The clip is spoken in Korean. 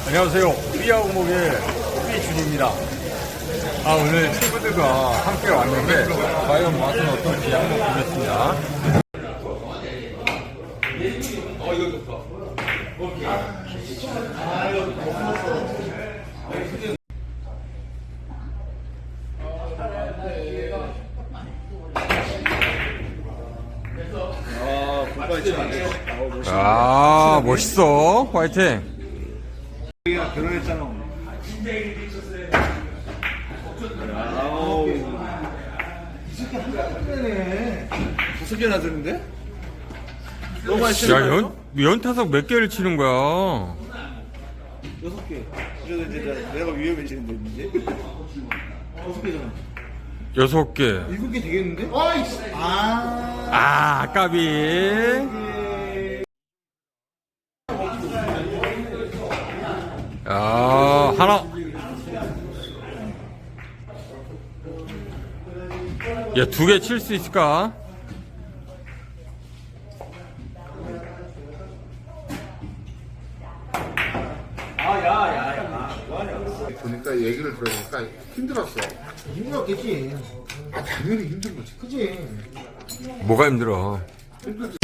안녕하세요. 삐아우목의 삐준입니다. 오늘 친구들과 함께 왔는데 과연 맛은 어떨지 한번 보겠습니다. 이거 좋다. 멋있어. 화이팅. 결혼했잖아. 이 새끼 한 개네. 5개나 드는데? 너무 많이 야, 연타석 몇 개를 치는 거야? 6개. 이제 내가 위험해지는데 이제. 6개잖아. 6개. 7개 되겠는데? 까비. 하나. 야, 2개 칠 수 있을까? 보니까 얘기를 들으니까 힘들었어. 힘들었겠지. 당연히 힘든 거지. 그치? 뭐가 힘들어? 힘들지.